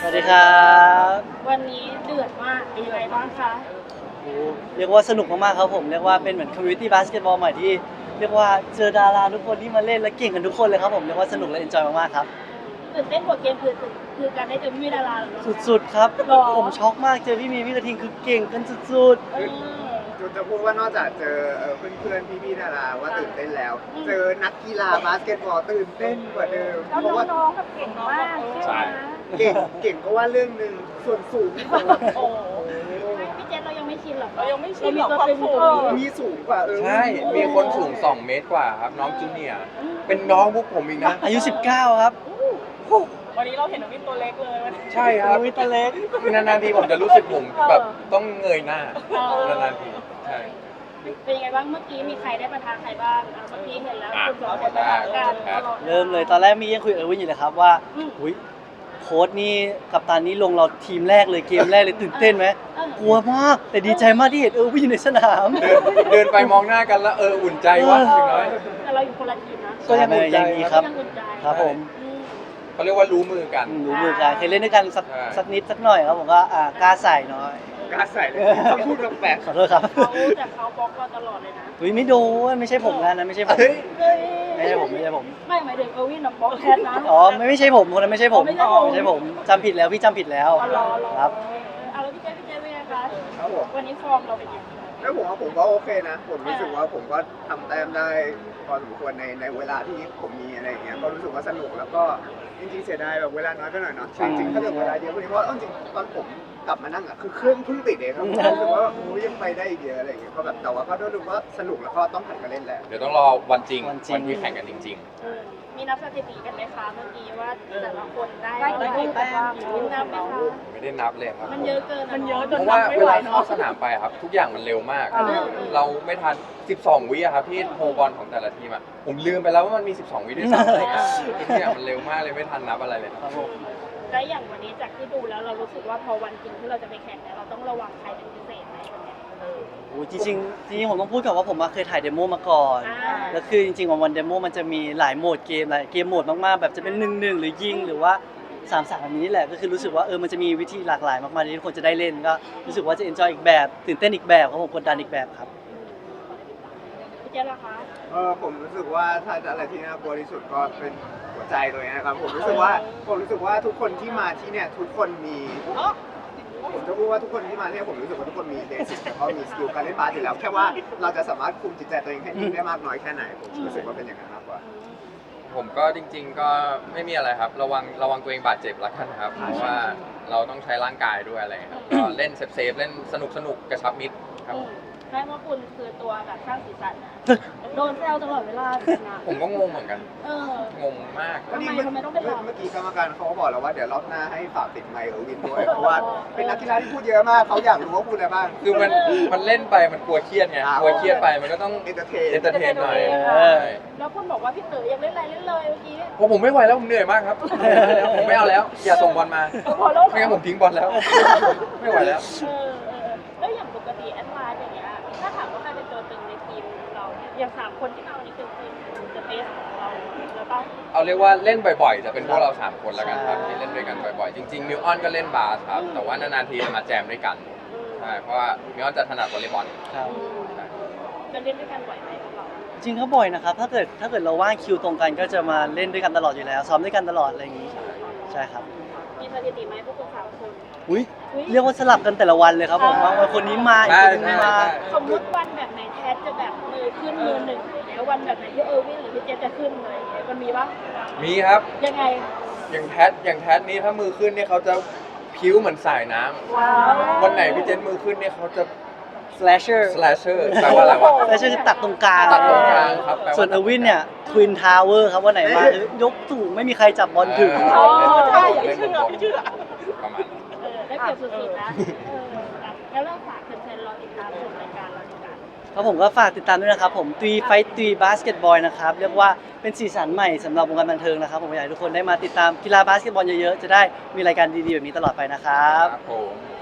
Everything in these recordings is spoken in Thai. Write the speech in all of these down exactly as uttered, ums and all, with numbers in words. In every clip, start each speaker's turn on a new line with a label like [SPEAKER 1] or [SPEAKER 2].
[SPEAKER 1] วัสดีครับ
[SPEAKER 2] วันนี้เดือดมากเป็นยังไงบ้างคะ
[SPEAKER 1] โอ้เรียกว่าสนุกมากๆครับผมเรียกว่าเป็นเหมือนคอมมูนิตี้บาสเกตบอลใหม่ที่เรียกว่าเจอดาราทุกคนที่มาเล่นและเก่งกันทุกคนเลยครับผมเรียกว่าสนุกและเอนจอยมากๆครับ
[SPEAKER 2] ตื่นเต้นกว่าเกมคือคือการได้เจอพี่ดาราเหรอ
[SPEAKER 1] สุดๆครับ
[SPEAKER 2] หรอ
[SPEAKER 1] ผมช็อกมากเจอพี่มีพี่กระทิงคือเก่งกันสุด
[SPEAKER 2] เออ
[SPEAKER 3] จุดจะพูดว่านอกจากเจอเพื่อนๆพี่ๆดาราว่าตื่นเต้นแล้ว เจอนักกีฬาบาสเกตบอลตื่นเต้นกว่าเดิม
[SPEAKER 2] แล้ว
[SPEAKER 3] เพราะว่า
[SPEAKER 2] น้องๆแบบเก่งมากใช่ไหม
[SPEAKER 3] เก่งเก่งก็ว่าเรื่องหนึ่งส่วนสูงของเรา
[SPEAKER 2] โอ้พี่เจนเรายังไม่ชินหรอก
[SPEAKER 4] เรายังไม่ชินหรอก
[SPEAKER 2] เรา
[SPEAKER 4] ความสูง
[SPEAKER 3] มีสูงกว่าเออ
[SPEAKER 5] ใช่ มีคนสูงสองเมตรกว่าครับน้องจูเนียร์เป็นน้องพวกผมอีกนะ
[SPEAKER 1] ๆอายุสิบเก้าครับ
[SPEAKER 4] วันนี้เราเห็นน้องวินตัวเล็กเลยวันนี้
[SPEAKER 5] ใช่ครับ
[SPEAKER 1] วิตาเล็ก
[SPEAKER 5] นานๆทีผมจะรู้สึกผมแบบต้องเงยหน้านานๆทีใช่
[SPEAKER 2] เป็นยังไงบ้างเมื่อกี้มีใครได้ประทานใครบ้างเมื่อกี้เห็นแล้ว
[SPEAKER 5] อ่ะ
[SPEAKER 2] คุณสองคนประทานกัน
[SPEAKER 1] เริ่มเลยตอนแรกมียังคุยกับเออร์วินอยู่เลยครับว่าอุ้ยโค้ชนี่กัปตันนี่ลงเราทีมแรกเลยเกมแรกเลยตื่นเต้นไหมกลัวมากแต่ดีใจมากที่เห็นเออร์วินอยู่ในสนาม
[SPEAKER 5] เดินเดินไปมองหน้ากันแล้วเอออุ่นใจว่าอย่างน้อย
[SPEAKER 2] แต่เราอยู่คนละทีมนะ
[SPEAKER 1] ก็ยังอุ่นใจครับ
[SPEAKER 2] ยังอุ่นใจ
[SPEAKER 1] ครับผม
[SPEAKER 5] เขาเรียกว่ารู้มือกัน
[SPEAKER 1] รู้มือกันเคยเล่นด้วยกันสัก
[SPEAKER 5] ใช่
[SPEAKER 1] สักนิดสักหน่อยครับผมก็อ่ากล้าใส่หน่อย
[SPEAKER 3] กล้าใส่เลยต้องพูดแปลก
[SPEAKER 1] ขอโทษครับ
[SPEAKER 2] เขาแต่เขาบล็อกเราตลอดเลยนะ
[SPEAKER 1] อุ้ยไม่โดนไม่ใช่ผมนะนั้นไม่ใช่ผม
[SPEAKER 3] เฮ้ย
[SPEAKER 2] เฮ้ย
[SPEAKER 1] ไม่ใช่ผมไม่ใช่ผม
[SPEAKER 2] ไม่หมายถึงเออร์วินน่ะบล็อกแทนนะ
[SPEAKER 1] อ๋อไม่ไม่ใช่ผมคนนั้นไม่ใช่ผม
[SPEAKER 2] อ๋อไม่ใช่ผม
[SPEAKER 1] ไม่ใช่ผมจำผิดแล้วพี่จำผิดแล้ว
[SPEAKER 2] อ๋อรอรอ
[SPEAKER 1] ครับ
[SPEAKER 2] เอาแล้วพี่เจ๊พี่เจ๊เป็นไงคะ
[SPEAKER 3] ครับผม
[SPEAKER 2] วันนี้ฟอร์มเราเป็นยังไง
[SPEAKER 3] แล้วผมว่าผมก็โอเคนะ ผมรู้สึกว่าผมก็ทำแต้มได้พอสมควรในในเวลาที่ผมมีอะไรอย่างเงี้ยก็รู้สึกว่าสนุกแล้วก็จริงๆเสียดายแบบเวลาน้อยไปหน่อยเนาะจริงๆถ้าเกิดเวลาเยอะกว่านี้เพราะว่าเอาจริงๆตอนผมกลับมานั่งอ่ะคือเครื่องเพิ่งติดเองครับผมรู้สึกว่าโอ้ยยังไปได้อีกเยอะอะไรอย่างเงี้ยก็แบบแต่ว่าก็รู้สึกว่าสนุกแล้วก็ต้องหันมาเล่นแหละ
[SPEAKER 5] เดี๋ยวต้องรอวันจริง
[SPEAKER 1] วันจริง
[SPEAKER 5] วันที่แข่งกันจริง
[SPEAKER 2] อืมมีนับสถิติกันไหมคะเมื่อกี้ว่าแต่ละคนได้
[SPEAKER 4] ได้กี่แต้ม
[SPEAKER 2] มีนับไหมคะ
[SPEAKER 5] ๆ ไม่ได้นับเลยครับ
[SPEAKER 2] มันเยอะเกิน
[SPEAKER 4] มันเยอะจ
[SPEAKER 5] เพ
[SPEAKER 4] น
[SPEAKER 5] ราะว่า
[SPEAKER 4] นับไม่
[SPEAKER 5] เว
[SPEAKER 4] ไหว
[SPEAKER 5] ลา
[SPEAKER 4] เนาะ
[SPEAKER 5] เข้าสนามไปครับ ทุกอย่างมันเร็วมาก
[SPEAKER 2] เออ
[SPEAKER 5] เราไม่ทัน สิบสอง วิอะครับที่โฮบอลของแต่ละทีมอะผมลืมไปแล้วว่ามันมี สิบสอง วิด้วยซ้ำอะไรเงี้ยทุกอย่างมันเร็วมากเลยไม่ทันนับอะไรเลย
[SPEAKER 1] ครับผม
[SPEAKER 2] และอย่างวันนี้จากที่ดูแล้วเรารู้สึกว่าพอวันจริงที่เราจะไปแข่งเนี่ยเราต้องระวังใครเป็นพิเศษไหมวันเนี้ย
[SPEAKER 1] โอ้จริงๆจริงๆผมต้องพูดก่อนว่าผมมาเคยถ่ายเดโมมาก่อน
[SPEAKER 2] อ่า
[SPEAKER 1] แล้วคือจริงๆวันวันเดโมมันจะมีหลายโหมดเกมหลายเกมโหมดมากๆแบบจะเป็นหนึ่งหนึ่งหรือยิงหรือว่าสามสามแบบนี้นี่แหละก็คือรู้สึกว่าเออมันจะมีวิธีหลากหลายมากๆที่ทุกคนจะได้เล่นก็รู้สึกว่าจะเอนจอยอีกแบบตื่นเต้นอีกแบบครับผมกดดันอีกแบบครับ
[SPEAKER 2] พี่เจ๊ล่ะคะ
[SPEAKER 3] เออผมรู้สึกว่าถ้าอะไรที่น่ากลัวที่สุดก็เป็นหัวใจตัวเองนะครับผมรู้สึกว่าผมรู้สึกว่าทุกคนที่มาที่เนี่ยทุกคนมีผมจะพูดว่าทุกคนที่มาเนี่ยผมรู้สึกว่าทุกคนมีเบสิกแล้วก็มีสกิลการเล่นบาสอยู่แล้วแค่ว่าเราจะสามารถคุมจิตใจตัวเองให้นิ่งได้มากน้อยแค่ไหนผมรู้สึกว่าเป็นอย่างนั้นมากกว่า
[SPEAKER 5] ผมก็จริง ๆ ก็ไม่มีอะไรครับ ระวังระวังตัวเองบาดเจ็บแล้วกันครับเพราะว่าเราต้องใช้ร่างกายด้วยอะไรครับก็เล่นเซฟๆเล่นสนุกสนุกกระชับมิตรครับ
[SPEAKER 2] อืมใช่ว่าคุณคือตัวแบบสร้างสีสันนะโดนแซวตลอดเวลานะ
[SPEAKER 5] ผมก็งงเหมือนกัน
[SPEAKER 2] เออ
[SPEAKER 5] งงมาก
[SPEAKER 2] ทำไมทำไมต้องเป็นเรา
[SPEAKER 3] เมื่อกี้กรรมการเขาก็บอกแล้วว่าเดี๋ยวรอบหน้าให้ฝากติดไมค์เออร์วินด้วยเพราะว่าเป็นนักกีฬาที่พูดเยอะมากเขาอยากรู้ว่าพูดอะไรบ้าง
[SPEAKER 5] คือมันมันเล่นไปมันกลัวเครียดไง
[SPEAKER 3] อ่า
[SPEAKER 5] กลัวเครียดไปมันก็ต้อง
[SPEAKER 3] เอนเตอร์เทน
[SPEAKER 5] เอนเตอร์เทนหน่อย
[SPEAKER 1] เออ
[SPEAKER 2] แล้วคุณบอกว่าพี่เต๋อยังเล่นอะไรเล่นเลยเมื่อกี้
[SPEAKER 5] เพราะผมไม่ไหวแล้วผมเหนื่อยมากครับ ผมไม่เอาแล้ว อย่าส่งบอลมา
[SPEAKER 2] พอแล้ว
[SPEAKER 5] ไม่งั้นผมทิ้งบอลแล้ว ไม่ไหวแล้ว
[SPEAKER 2] เออเออแล้วอย่างปกติแอดไลน์อย่างเงี้ยถ้าถามว่าใครเป็นตัวตึงในทีมเราเนี่ยอย่างสามคนที่มาวันนี้คือทีมเดอะเบสของเราแล้วป่ะ
[SPEAKER 5] เอาเรียกว่าเล่นบ่อยๆ จะเป็นพวกเราสามคนแล้วกันครับที่เล่นด้วยกันบ่อยๆ จริงๆมิวออนก็เล่นบาสครับ แต่ว่านานๆทีจะมาแจมด้วยกัน ใช่ เพราะว่ามิวออนจะถนัดวอลเลย์บอล
[SPEAKER 1] ครับ
[SPEAKER 5] ใช่
[SPEAKER 2] จะเล่นด้วยกันบ่อยไหมพวกเรา
[SPEAKER 1] จริงๆก็บ่อยนะครับถ้าเกิดถ้าเกิดเราว่างคิวตรงกันก็จะมาเล่นด้วยกันตลอดอยู่แล้วซ้อมด้วยกันตลอดอะไรอย่างนี้ใช่ครับ
[SPEAKER 2] มีสถิติไหมพวกคุณสามคน
[SPEAKER 1] อุ้ย
[SPEAKER 2] อุ๊ย
[SPEAKER 1] เรียกว่าสลับกันแต่ละวันเลยครับผมว่าวันคนนี้มาอีกคนนึงไม่มา
[SPEAKER 2] สมมติวันแบบไหนแทสจะแบบมือขึ้นมือหนึ่งแล้ววันแบบไหนที่เออร์วินหรือพี่เจจะขึ้นเลยางเงี้ยมันมีปะ
[SPEAKER 5] มีครับ
[SPEAKER 2] ยังไง
[SPEAKER 5] อย่างแพทอย่างแพทนี้ถ้ามือขึ้นเนี่ยเขาจะพิ้วเหมือนสายน้ำ
[SPEAKER 2] ว้าว
[SPEAKER 5] วันไหนพี่เจนมือขึ้นเนี่ยเขาจะ
[SPEAKER 1] slasher
[SPEAKER 5] slasher แปลว่าอะไรวะ
[SPEAKER 1] slasher คือตัดตรงกลาง
[SPEAKER 5] ตัดตรงกลางครับแปลว่า
[SPEAKER 1] ส่วนเออร์วินเนี่ย twin tower ครับวันไหนมาคือยกสูงไม่มีใครจับบอลถึง
[SPEAKER 5] เออ
[SPEAKER 4] ใช่อย่า
[SPEAKER 5] เล่
[SPEAKER 4] ไม่
[SPEAKER 5] น
[SPEAKER 4] เชื่
[SPEAKER 5] บ
[SPEAKER 4] อน ไม่เชื่อ
[SPEAKER 5] ประมาณนั้น
[SPEAKER 2] เออได้เปรียบสุดๆนะเออแล้วเราฝากแฟนๆรอติดตามชมรายการเราดีกว่า
[SPEAKER 1] ครับผมก็ฝากติดตามด้วยนะครับผมตีไฟตีบาสเกตบอลนะครับเรียกว่าเป็นสีสันใหม่สำหรับวงการบันเทิงนะครับผมอยากให้ทุกคนได้มาติดตามกีฬาบาสเกตบอลเยอะๆจะได้มีรายการดีๆแบบนี้ตลอดไปนะครับ
[SPEAKER 5] ครับผม
[SPEAKER 2] อ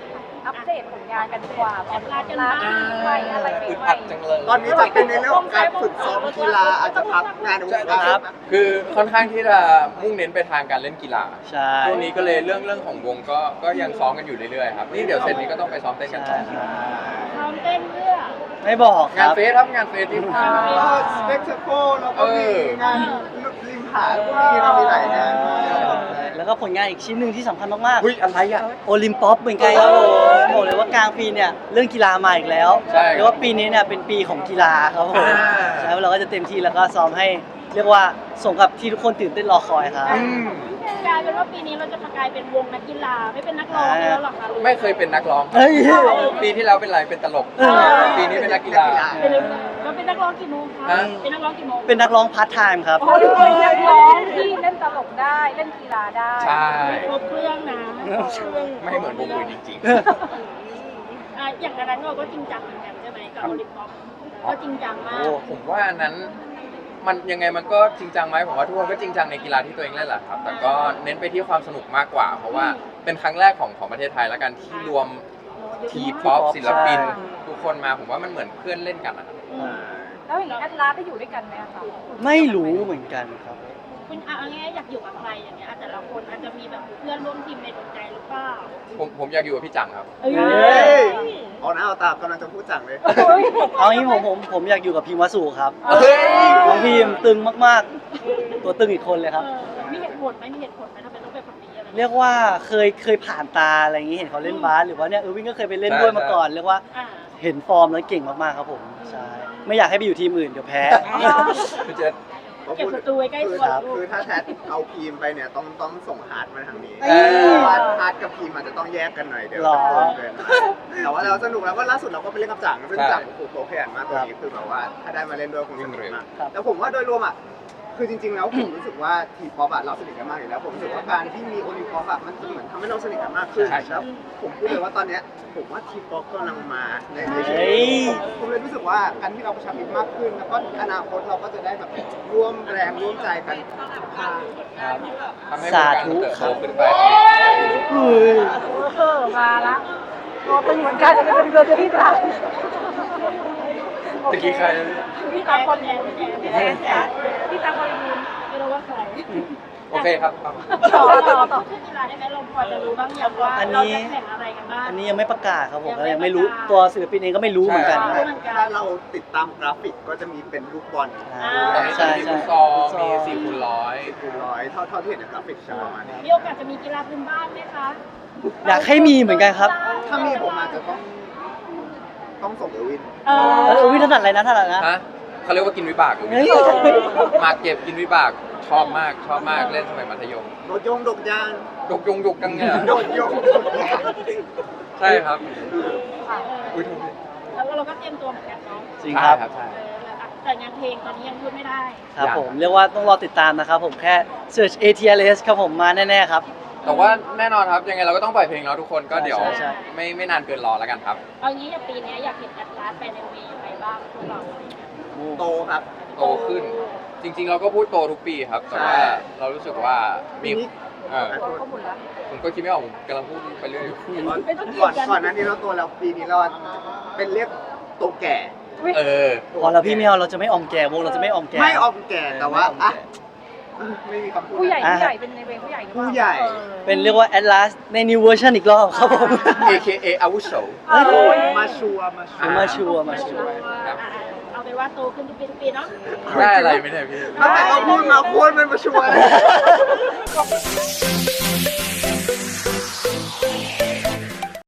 [SPEAKER 6] อัปเดตผลงานกันดีกว่า
[SPEAKER 2] แอดลาสกันบ้าง
[SPEAKER 6] ไปอะไร
[SPEAKER 5] อึด
[SPEAKER 6] ให
[SPEAKER 5] อั
[SPEAKER 6] ม่
[SPEAKER 5] ดจังเลย
[SPEAKER 3] ตอนนี้จะเป็นในเรื่องของการฝึกซ้อมกีฬาอาจจะพักงานในวงการ
[SPEAKER 5] คือค่อนข้างที่จะมุ่งเน้นไปทางการเล่นกีฬา
[SPEAKER 1] ใช่
[SPEAKER 5] ช่วงนี้ก็เลยเรื่องเรื่องของวงก็ก็ยังซ้อมกันอยู่เรื่อยๆครับนี่เดี๋ยวเสร็จนี้ก็ต้องไปซ้อมเต้นกันต่อ
[SPEAKER 2] ซ้อมเต้นเพื่อ
[SPEAKER 1] ไม่บอกค
[SPEAKER 5] งาน
[SPEAKER 1] รับ
[SPEAKER 5] เฟสครับงานเฟสที่ผ่านมา
[SPEAKER 3] สเปกเทโคแล้วก็มีงานริมหาดพวกนี้เรามีหลายงานมาก
[SPEAKER 1] แล้วก็ผลงานอีกชิ้นหนึ่งที่สำคัญมาก
[SPEAKER 5] อุ้ยอะไรอ่ะ
[SPEAKER 1] ๆโอลิมปอปเหมือนกันครับผมบอกเลยว่ากลางปีเนี่ยเรื่องกีฬามาอีกแล้ว
[SPEAKER 5] ใช่
[SPEAKER 1] เรียกว่าปีนี้เนี่ยเป็นปีของกีฬาครับผม
[SPEAKER 5] อ่า
[SPEAKER 1] ใช่เราก็จะเต็มที่แล้วก็ซ้อมให้เรียกว่าสมกับที่ทุกคนตื่นเต้นรอคอยครับ
[SPEAKER 5] อืม
[SPEAKER 2] กลายเป็นว่าปีนี้เราจะกลายเป็นวงนักกีฬาไม่เป็นนักร้องแล้วหรอคะ
[SPEAKER 5] ไม่เคยเป็นนักร้อง
[SPEAKER 1] เฮ้ย
[SPEAKER 5] ปีที่แล้วเป็นอะไรเป็นตลก
[SPEAKER 1] เออ
[SPEAKER 5] ปีนี้เป็นนักกีฬา
[SPEAKER 2] เป็นเราเป็นนักร้องกี่โมงคะ
[SPEAKER 5] ฮะ
[SPEAKER 2] เป็นนักร้องกี่โมง
[SPEAKER 1] เป็นนักร้องพาร์ทไทม์ครับ
[SPEAKER 6] โอ้ยเป็นนักร้องที่เล่นตลกได้เล่นกีฬาได้
[SPEAKER 5] ใช่
[SPEAKER 2] ครบเครื่องนะ
[SPEAKER 5] ไม่เหมือนวงอื่นจริง
[SPEAKER 2] อ่ะอย่างนั้นเราก็จริงจังเหมือนกันใช่ไหมกับโอลิมปิกก็จริงจังมาก
[SPEAKER 5] ๆ ผมว่าอันนั้นมันยังไงมันก็จริงจังไหมผมว่าทุกคนก็จริงจังในกีฬาที่ตัวเองเล่นแหละครับ แต่ก็เน้นไปที่ความสนุกมากกว่า เพราะว่าเป็นครั้งแรกของของประเทศไทยแล้วกันที่รวมทีป๊อปศิลปิน ทุกคนมาผมว่ามันเหมือนเพื่อนเล่นกันอะ
[SPEAKER 6] แล้วอย่างนี้แอดลาสได้อยู่ด้วยกันไหมอะคะ
[SPEAKER 1] ไม่รู้เหมือนกันครับ
[SPEAKER 2] คุณเอาง่ายๆอยากอยู่กับใครอย่างเงี้ยแต่ละคนอาจจะมีแบบเพื่อนร่วมทีมในดวงใจหรือเปล่า
[SPEAKER 5] ผมผมอยากอยู่กับพี่จังครับ
[SPEAKER 2] เอ้ย
[SPEAKER 1] เฮ้ย
[SPEAKER 3] เอาหน้าเอาตากำลังจะพูดจังเลย
[SPEAKER 1] เอางี้ผมผมผมอยากอยู่กับพิมพ์วสุครับ
[SPEAKER 5] เฮ้ย
[SPEAKER 1] น้องพิมพ์ตึงมากๆ ตัวตึงอีกคนเลยครับ
[SPEAKER 2] เออมีเหตุผลไหมมีเหตุผลไหมทำไมต้องเป็นคนนี้อะไร
[SPEAKER 1] เรียกว่าเคยเคยผ่านตาอะไรอย่างนี้เห็นเขาเล่นบาสหรือว่าเนี่ยเออวิ่งก็เคยไปเล่นด้วยมาก่อนเรียกว่า
[SPEAKER 2] อ่า
[SPEAKER 1] เห็นฟอร์มแล้วเก่งมากๆครับผมใช่ไม่อยากให้ไปอยู่ทีมอื่นเดี๋ยวแพ้
[SPEAKER 5] พี่เจษ
[SPEAKER 2] เก็บศัตรูไว้ใกล้ตัว
[SPEAKER 1] ครับ
[SPEAKER 2] ลูก
[SPEAKER 3] คือถ้าแทดเอาพีมไปเนี่ยต้องต้องส่งฮาร์ดมาทางนี้
[SPEAKER 1] เอ้ย
[SPEAKER 3] เพราะว่าฮาร์ดกับพีมอาจจะต้องแยกกันหน่อยเดี๋ยว
[SPEAKER 1] หรอ
[SPEAKER 3] จะเกินแต่ว่าเราสนุกแล้วก็ล่าสุดเราก็ไปเล่นกับจังซึ่งจังโอ้โหโปรขยันมากตัวนี้คือแบบว่าถ้าได้มาเล่นด้วยคงสนุกมาก
[SPEAKER 1] ครับ
[SPEAKER 3] แต่ผมว่าโดยรวมอ่ะคือจริง ๆ แล้วผมรู้สึกว่าทีป๊อปอะเราสนิทกันมากอยู่แล้วผมรู้สึกว่าการที่มีโอลิมป๊อปอะมันเหมือนทำให้เราสนิทกันมากขึ้น
[SPEAKER 5] ใช่ใช่
[SPEAKER 3] แล้วผมพูดเลยว่าตอนเนี้ยผมว่าทีป๊อปกำลังมาในในชี
[SPEAKER 1] เฮ้
[SPEAKER 3] วิต
[SPEAKER 1] ย
[SPEAKER 3] ผมผมเลยรู้สึกว่าการที่เราประชามิตรมากขึ้น แล้วก็อนาคตเราก็จะได้แบบร่วมแรงร่วมใจกัน
[SPEAKER 5] ครับทำให้วง
[SPEAKER 1] สา
[SPEAKER 5] การ
[SPEAKER 1] ธุ
[SPEAKER 5] มันเติบ
[SPEAKER 1] ค
[SPEAKER 5] โต
[SPEAKER 1] รับ
[SPEAKER 5] ขึ้นไป
[SPEAKER 1] เฮ้ย
[SPEAKER 6] เออมาละตัวเป็นเหมือนกันเป็นเบอร์ที่สาม
[SPEAKER 5] ตะกี้ใคร
[SPEAKER 2] พี่ตามคนแอนพี่แอนพี่แอนพี่ตามคนอื่นไม่รู้ว่าใคร
[SPEAKER 5] โอเคครับ
[SPEAKER 2] ต่อต่อต่อขึ้นกีฬาได้ไหมเราพอจะรู้บ้างอย่างว่า
[SPEAKER 1] อันนี้
[SPEAKER 2] เราจะแข่งอะไรกันบ้าง
[SPEAKER 1] อันนี้ยังไม่ประกาศครับผมก็ยังไม่รู้ตัวศิลปินเองก็ไม่รู้เหมือนกัน
[SPEAKER 2] ใช่
[SPEAKER 3] ถ้าเราติดตามกราฟิกก็จะมีเป็นลูกบอล
[SPEAKER 1] อ่า
[SPEAKER 5] ตอนนี้
[SPEAKER 1] ใช่
[SPEAKER 5] มี
[SPEAKER 1] ใช่
[SPEAKER 5] ฟุตซอลมีสี่คูณร้อย
[SPEAKER 3] คูณร้อยเท่าเท่าที่เห็นในกราฟิกจะประมาณนี้
[SPEAKER 2] มีโอกาสจะมีกีฬาพื้นบ้านไหมคะ
[SPEAKER 1] อยากให้มีเหมือนกันครับ
[SPEAKER 3] ถ้ามีผมอาจจะต้องต้องส่งเออร์วิน
[SPEAKER 2] เอ
[SPEAKER 1] เออวิถนัดอะไรนะถนัดนะ
[SPEAKER 5] ฮะเขาเรียกว่ากินวิบากอยู่
[SPEAKER 1] เฮ้ย
[SPEAKER 5] มาเก็บกินวิบากชอบมากชอบมากเล่นสมัยมัธยม
[SPEAKER 3] โดดยงโดดยาง
[SPEAKER 5] ยกยงยกจังเนี่ย
[SPEAKER 3] โดดยงโดดยาง
[SPEAKER 5] ใช่ครับอุ้ยโทษที
[SPEAKER 2] แล้วเราก็เตรียมตัวเหมือนกันเนาะ
[SPEAKER 1] จริงครับ
[SPEAKER 5] ใช่ครับใช่
[SPEAKER 2] เออแต่งานเพลงตอนนี้ยังพูดไม่ได้
[SPEAKER 1] ครับผมเรียกว่าต้องรอติดตามนะครับผมแค่ search เอ ที แอล เอส ครับผมมาแน่ๆครับ
[SPEAKER 5] แต่ว่าแน่นอนครับยังไงเราก็ต้องปล่อยเพลงแล้วทุกคนก็เดี๋ยว
[SPEAKER 1] ใช่ใช่
[SPEAKER 5] ไม่ไม่นานเกินรอแล้วกันครับ
[SPEAKER 2] เอางี้อย่างปีนี้อยากเห็นแอดลาสไปในเวย์ยังไงบ้างพวกเรา
[SPEAKER 3] โตครับ
[SPEAKER 5] โตขึ้น จริง ๆ เราก็พูดโตทุกปีครับ แต่ว่า
[SPEAKER 3] ใช่
[SPEAKER 5] เรารู้สึกว่ามีเออ
[SPEAKER 6] ข้อมูลละ
[SPEAKER 5] ผมก็คิดไม่ออกผมกำลังพูดไปเรื่อย
[SPEAKER 3] ก่อนก่อนหนั้นนี้เราโตแล้วปีนี้เราเป็นเรียกโตแก่
[SPEAKER 5] เออ
[SPEAKER 1] พอแล้วพี่ไม่เอาเราจะไม่ออมแก่วงเราจะไม่ออมแก่
[SPEAKER 3] ไม่ออมแก่แต่ว่าอ่ะไม่มีคำพูด
[SPEAKER 6] ผู้ใหญ่
[SPEAKER 1] อ่ะ
[SPEAKER 6] ผู้ใหญ่เป็นในเวรผู้ใหญ่รือเปล่า
[SPEAKER 3] ผู้ใหญ่
[SPEAKER 1] เป็นเรียกว่า Atlas ใน new version อีกรอบครับผม
[SPEAKER 5] เอ เค เอ อาวุโส
[SPEAKER 1] เฮ้ย
[SPEAKER 3] มาชัวร์มาชัวร์
[SPEAKER 1] มาชัวร์มาชัวร์
[SPEAKER 5] ครับ
[SPEAKER 2] อ่ะเอาเป็นว่าโตขึ้นทุกปีทุกปีเนาะ
[SPEAKER 5] ได้อะไรไหมเนี่ยพี่
[SPEAKER 3] ตั้งแต่เราพูดมาโคตรเป็นมาชัวร์เลย